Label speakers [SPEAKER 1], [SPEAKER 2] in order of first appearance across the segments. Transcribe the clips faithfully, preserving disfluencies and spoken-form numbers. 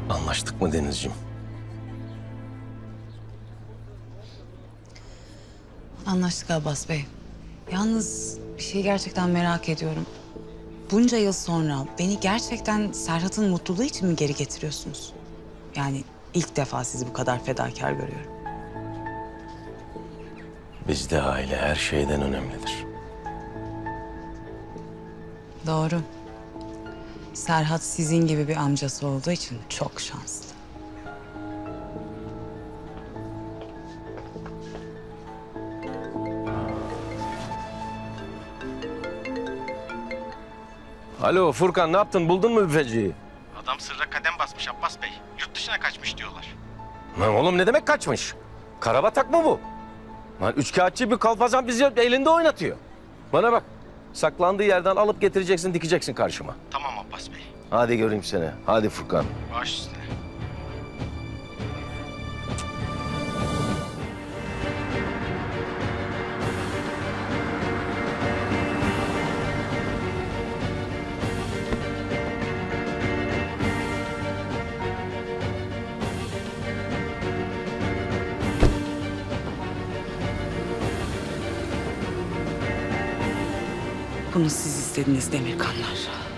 [SPEAKER 1] Anlaştık mı Denizciğim?
[SPEAKER 2] Anlaştık Abbas Bey. Yalnız bir şey gerçekten merak ediyorum. Bunca yıl sonra beni gerçekten Serhat'ın mutluluğu için mi geri getiriyorsunuz? Yani ilk defa sizi bu kadar fedakar görüyorum.
[SPEAKER 1] Bizde aile her şeyden önemlidir.
[SPEAKER 2] Doğru. Serhat sizin gibi bir amcası olduğu için çok şanslı.
[SPEAKER 1] Alo Furkan, ne yaptın? Buldun mu büfeciyi?
[SPEAKER 3] Adam sırra kadem basmış Abbas Bey. Yurt dışına kaçmış diyorlar.
[SPEAKER 1] Lan oğlum ne demek kaçmış? Karabatak mı bu? Lan üçkağıtçı bir kalfazan bizi elinde oynatıyor. Bana bak, saklandığı yerden alıp getireceksin, dikeceksin karşıma.
[SPEAKER 3] Tamam Abbas Bey.
[SPEAKER 1] Hadi göreyim seni. Hadi Furkan.
[SPEAKER 3] Baş üstüne.
[SPEAKER 2] Bunu siz istediniz Demirkanlar.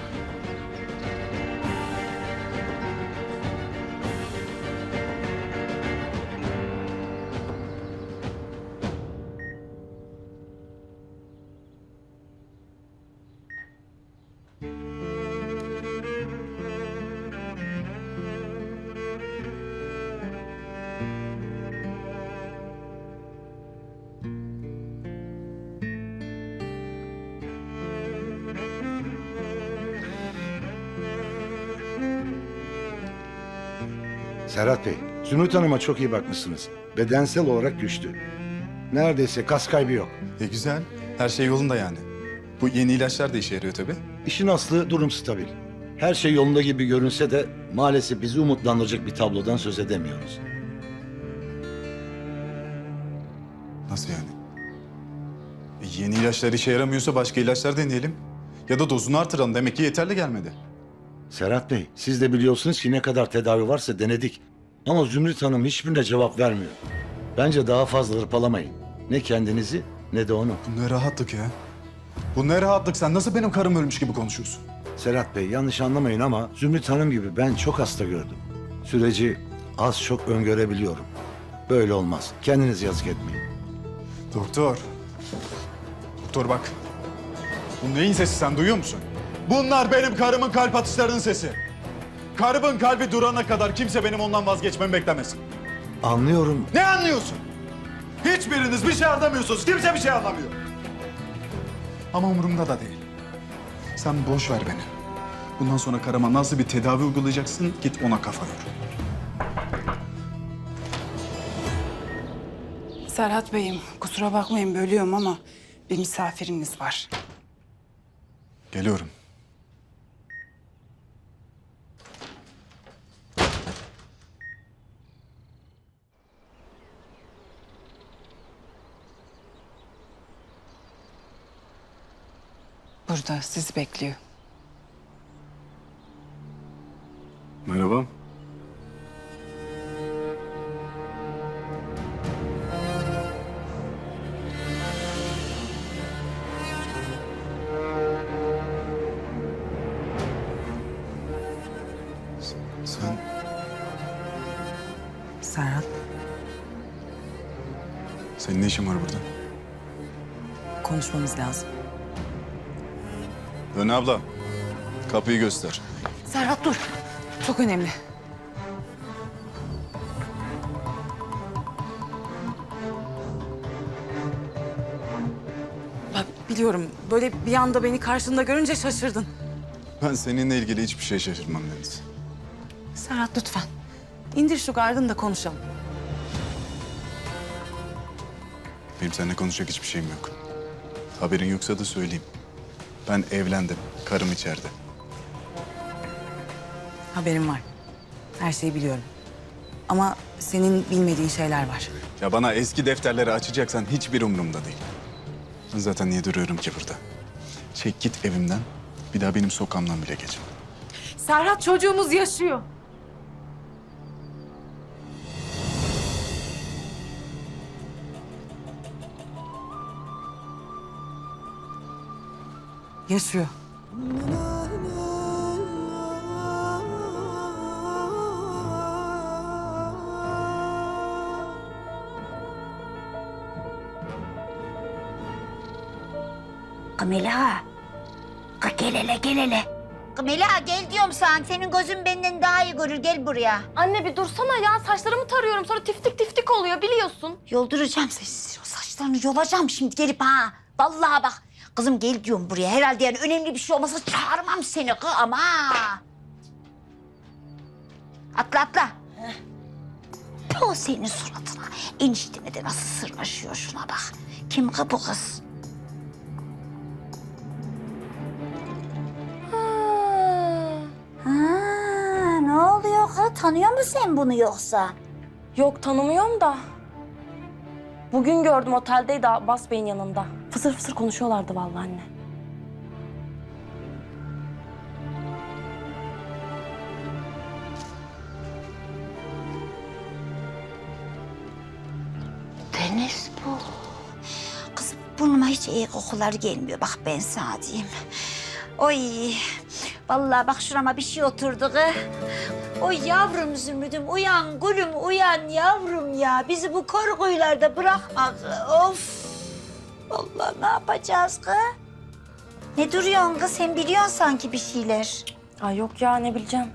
[SPEAKER 4] Serhat Bey, Zümrüt Hanım'a çok iyi bakmışsınız. Bedensel olarak güçlü. Neredeyse kas kaybı yok.
[SPEAKER 5] E güzel. Her şey yolunda yani. Bu yeni ilaçlar da işe yarıyor tabii.
[SPEAKER 4] İşin aslı durum stabil. Her şey yolunda gibi görünse de maalesef bizi umutlandıracak bir tablodan söz edemiyoruz.
[SPEAKER 5] Nasıl yani? E yeni ilaçlar işe yaramıyorsa başka ilaçlar deneyelim. Ya da dozunu artıralım. Demek ki yeterli gelmedi.
[SPEAKER 4] Serhat Bey, siz de biliyorsunuz ki ne kadar tedavi varsa denedik. Ama Zümrüt Hanım hiçbirine cevap vermiyor. Bence daha fazla hırpalamayın. Ne kendinizi ne de onu.
[SPEAKER 5] Bu ne rahatlık ya. Bu ne rahatlık. Sen nasıl benim karım ölmüş gibi konuşuyorsun?
[SPEAKER 4] Serhat Bey, yanlış anlamayın ama Zümrüt Hanım gibi ben çok hasta gördüm. Süreci az çok öngörebiliyorum. Böyle olmaz. Kendiniz yazık etmeyin.
[SPEAKER 5] Doktor. Doktor bak. Bu neyin sesi sen duyuyor musun? Bunlar benim karımın kalp atışlarının sesi. Karımın kalbi durana kadar kimse benim ondan vazgeçmemi beklemesin.
[SPEAKER 4] Anlıyorum.
[SPEAKER 5] Ne anlıyorsun? Hiçbiriniz bir şey anlamıyorsunuz. Kimse bir şey anlamıyor. Ama umurumda da değil. Sen boş ver beni. Bundan sonra karıma nasıl bir tedavi uygulayacaksın git ona kafa yor.
[SPEAKER 6] Serhat Bey'im, kusura bakmayın bölüyorum ama bir misafiriniz var.
[SPEAKER 5] Geliyorum.
[SPEAKER 6] Burada sizi bekliyor.
[SPEAKER 5] Merhaba. Sen
[SPEAKER 2] Serhat,
[SPEAKER 5] senin ne işin var burada?
[SPEAKER 2] konuşmamız lazım.
[SPEAKER 5] Dön abla. Kapıyı göster.
[SPEAKER 2] Serhat dur. Çok önemli. Bak biliyorum böyle bir anda beni karşında görünce şaşırdın.
[SPEAKER 5] Ben seninle ilgili hiçbir şey şaşırmam Deniz.
[SPEAKER 2] Serhat lütfen. İndir şu gardını da konuşalım.
[SPEAKER 5] Benim seninle konuşacak hiçbir şeyim yok. Haberin yoksa da söyleyeyim. Ben evlendim. Karım içeride.
[SPEAKER 2] Haberim var. Her şeyi biliyorum. Ama senin bilmediğin şeyler var.
[SPEAKER 5] Ya bana eski defterleri açacaksan hiçbir umurumda değil. Ben zaten niye duruyorum ki burada? Çek git evimden. Bir daha benim sokağımdan bile geçme.
[SPEAKER 2] Serhat çocuğumuz yaşıyor. Yaşıyor.
[SPEAKER 7] Kamila. Ka gel hele gel hele. Kamila gel diyorum sana. Senin gözün benden daha iyi görür. Gel buraya.
[SPEAKER 8] Anne bir dursana ya. Saçlarımı tarıyorum sonra tiftik tiftik oluyor biliyorsun.
[SPEAKER 7] Yolduracağım seni. O saçlarını yolacağım şimdi gelip ha. Vallahi bak. Kızım gel diyorum buraya. Herhalde yani önemli bir şey olmasa çağırmam seni kız ama. Atla atla. O senin suratına. Enişteme de nasıl sırnaşıyor şuna bak. Kim kız bu kız? Ha, ne oluyor kız? Tanıyor musun sen bunu yoksa?
[SPEAKER 8] Yok tanımıyorum da. Bugün gördüm oteldeydi Abbas Bey'in yanında. Fısır fısır konuşuyorlardı vallahi anne.
[SPEAKER 7] Deniz bu. Kızım burnuma hiç iyi kokular gelmiyor. Bak ben sana diyeyim. Oy. Vallahi bak şurama bir şey oturdu kız. Oy yavrum Zümrüdüm uyan gülüm uyan yavrum ya. Bizi bu korkuylarda bırakma kız. Of. Allah ne yapacağız kız? Ne duruyorsun kız? Sen biliyorsun sanki bir şeyler.
[SPEAKER 8] Ay yok ya ne bileceğim.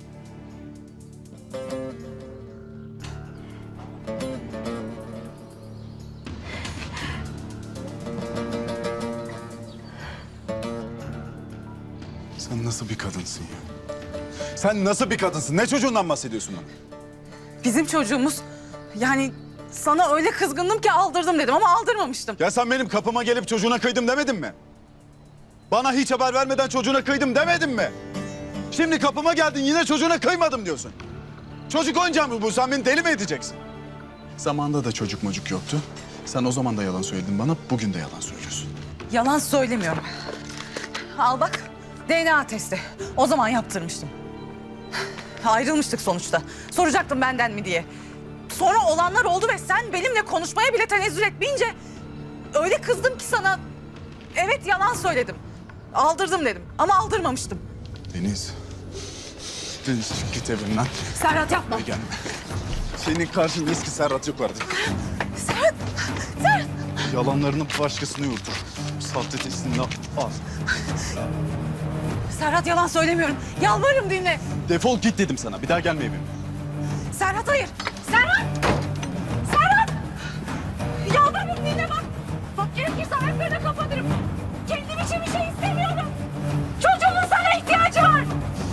[SPEAKER 5] Sen nasıl bir kadınsın ya? Sen nasıl bir kadınsın? Ne çocuğundan bahsediyorsun bana?
[SPEAKER 2] Bizim çocuğumuz yani sana öyle kızgındım ki aldırdım dedim ama aldırmamıştım.
[SPEAKER 5] Ya sen benim kapıma gelip çocuğuna kıydım demedin mi? Bana hiç haber vermeden çocuğuna kıydım demedin mi? Şimdi kapıma geldin yine çocuğuna kıymadım diyorsun. Çocuk oyuncağı mı bu? Sen beni deli mi edeceksin? Zamanında da çocuk mocuk yoktu. Sen o zaman da yalan söyledin bana, bugün de yalan söylüyorsun.
[SPEAKER 2] Yalan söylemiyorum. Al bak D N A testi. O zaman yaptırmıştım. Ayrılmıştık sonuçta. Soracaktım benden mi diye. Sonra olanlar oldu ve sen benimle konuşmaya bile tenezzül etmeyince öyle kızdım ki sana. Evet yalan söyledim. Aldırdım dedim ama aldırmamıştım.
[SPEAKER 5] Deniz. Deniz çık git evimden.
[SPEAKER 2] Serhat yapma.
[SPEAKER 5] Ve gelme. Senin karşında eski Serhat yok artık.
[SPEAKER 2] Serhat! Serhat!
[SPEAKER 5] Yalanlarını başkasına yurtur. Sahte testini al.
[SPEAKER 2] Serhat yalan söylemiyorum. Yalvarırım dinle.
[SPEAKER 5] Defol git dedim sana. Bir daha gelme evime.
[SPEAKER 2] Serhat hayır. Serhat! Serhat! Yalvarırım dinle bak. Bak gerekirse ayaklarına kapatırım. Kendim için bir şey istemiyorum. Çocuğumun sana ihtiyacı var.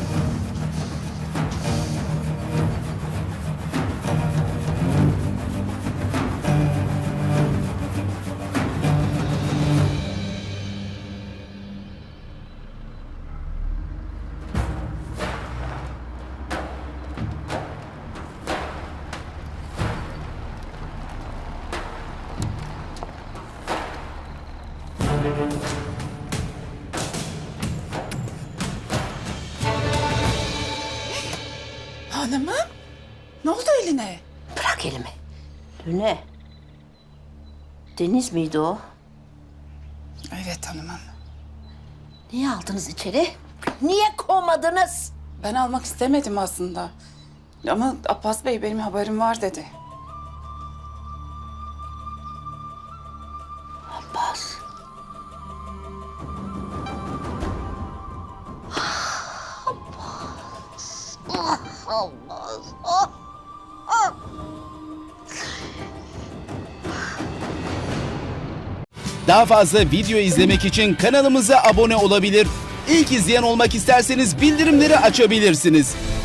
[SPEAKER 6] Hanımım, ne oldu eline?
[SPEAKER 7] Bırak elimi. Döne. Deniz miydi o?
[SPEAKER 6] Evet hanımım.
[SPEAKER 7] Niye aldınız içeri? Niye kovmadınız?
[SPEAKER 6] Ben almak istemedim aslında. Ama Abbas Bey benim haberim var dedi.
[SPEAKER 7] Abbas. Abbas. Ah Abbas. Ah. Ah.
[SPEAKER 9] Daha fazla video izlemek için kanalımıza abone olabilir. İlk izleyen olmak isterseniz bildirimleri açabilirsiniz.